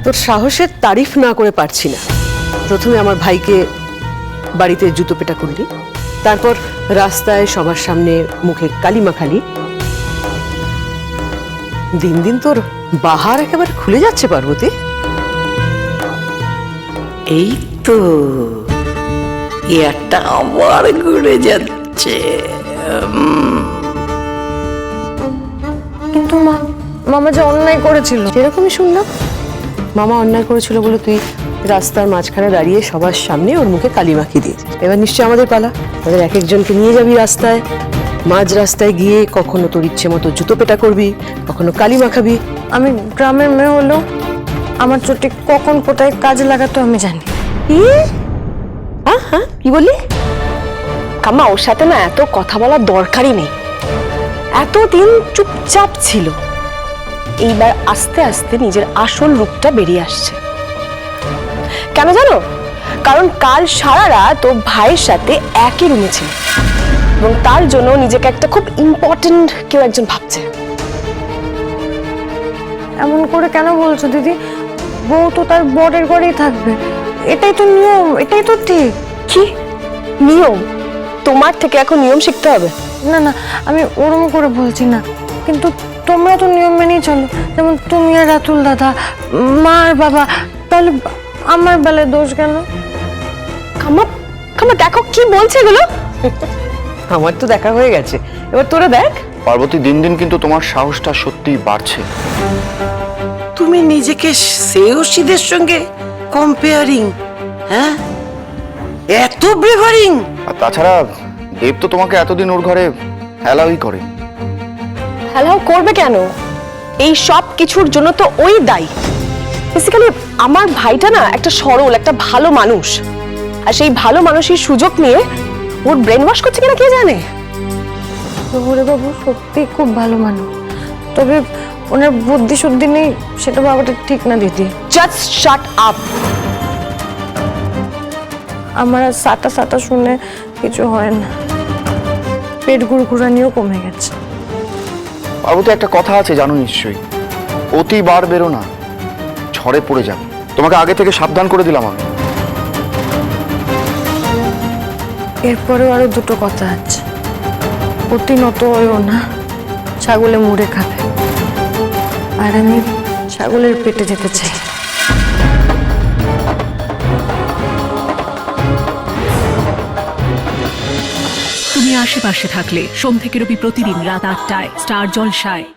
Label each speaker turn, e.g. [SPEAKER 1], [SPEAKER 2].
[SPEAKER 1] তোর সাহসের তারিফ না করে পারছি না। প্রথমে আমার ভাইকে বাড়িতে জুতো পেটা করলি, তারপর রাস্তায় সবার সামনে মুখে কালি মাখালি। দিন দিন তোর বাহার একেবারে খুলে যাচ্ছে পার্বতী।
[SPEAKER 2] এই তো একটা আবার ঘুরে যাচ্ছে।
[SPEAKER 3] কিন্তু মামা যে অন্যায় করেছিল।
[SPEAKER 1] এরকমই শুনলাম, মামা অন্যায় করেছিল বলে তুই রাস্তার মাঝখানে দাঁড়িয়ে সবার সামনে ওর মুখে কালি মাখিয়ে দিয়েছিস। এবার নিশ্চয়ই আমাদের পালা, আমাদের এক একজনকে নিয়ে যাবি রাস্তায়, মাঝ রাস্তায় গিয়ে কখনো তোর ইচ্ছে মতো জুতো পেটা করবি, কখনো কালি মাখাবি।
[SPEAKER 3] আমি গ্রামের মেয়ে হলেও আমার চোটে কখন কোথায় কাজে লাগাতো আমি জানি।
[SPEAKER 1] হ্যাঁ কি বললি?
[SPEAKER 4] কাম্মা, ওর সাথে না এত কথা বলার দরকারই নেই। এতদিন চুপচাপ ছিল, এইবার আস্তে আস্তে নিজের আসল রূপটা বেরিয়ে আসছে। কেন জানো? কারণ কাল সারা রাত ও ভাইয়ের সাথে একই রুমে ছিল এবং তার জন্য নিজেকে একটা খুব ইম্পর্টেন্ট কেউ একজন ভাবছে।
[SPEAKER 3] এমন করে কেন বলছো দিদি? বউ তো তার বরের ঘরেই থাকবে, এটাই তো নিয়ম, এটাই তো ঠিক।
[SPEAKER 4] কি নিয়ম? তোমার থেকে এখন নিয়ম শিখতে হবে?
[SPEAKER 3] না না, আমি ওরম করে বলছি না, কিন্তু তোমরা তো নিয়ম মেনেই চলো। যেমন তুমি আর রাতুল দাদা, মা আর বাবা, তাহলে আমার বেলায় দোষ কেন?
[SPEAKER 4] কাম্মা, কাম্মা দেখো কি বলছে এগুলো।
[SPEAKER 1] আমার তো দেখা হয়ে গেছে, এবার তোরা দেখ।
[SPEAKER 5] পার্বতী, দিন দিন কিন্তু তোমার সাহসটা সত্যিই বাড়ছে।
[SPEAKER 2] তুমি নিজেকে শ্রেয়সীদের সঙ্গে কম্পেয়ারিং? হ্যাঁ, এত ব্রেভারিং?
[SPEAKER 5] আর তাছাড়া দেব তো তোমাকে এতদিন ওর ঘরে অ্যালাউই করে।
[SPEAKER 4] হ্যালো, করবে কেন? এই সব কিছুর জন্য তো ওই দায়ী। বেসিক্যালি আমার ভাইটা না একটা সরল, একটা ভালো মানুষ, আর সেই ভালো মানুষের সুযোগ নিয়ে ওর ব্রেন ওয়াশ করছে কিনা কে জানে।
[SPEAKER 3] ওরে বাবু সত্যি খুব ভালো মানুষ, তবে ওনার বুদ্ধি শুদ্ধি নেই, সেটা বাবাটা ঠিক না দিদি।
[SPEAKER 4] Just shut up.
[SPEAKER 3] আমার আর সাটা সাটা শুনে কিছু হয় না, পেট গুড়গুড়ানিও কমে গেছে।
[SPEAKER 5] পার্বতী, একটা কথা আছে জানো নিশ্চয়ই, অতি বার বেরো না, ঝড়ে পড়ে যাবে। তোমাকে আগে থেকে সাবধান করে দিলাম আমি।
[SPEAKER 3] এরপরেও আরো দুটো কথা আছে, অতি নত হয়েও না, ছাগলে মুড়ে খাবে, আর আমি ছাগলের পেটে যেতে চাই।
[SPEAKER 6] তুমি আশেপাশে থাকলে সোম থেকে রবি প্রতিদিন রাত ৮টায় স্টার জলসায়।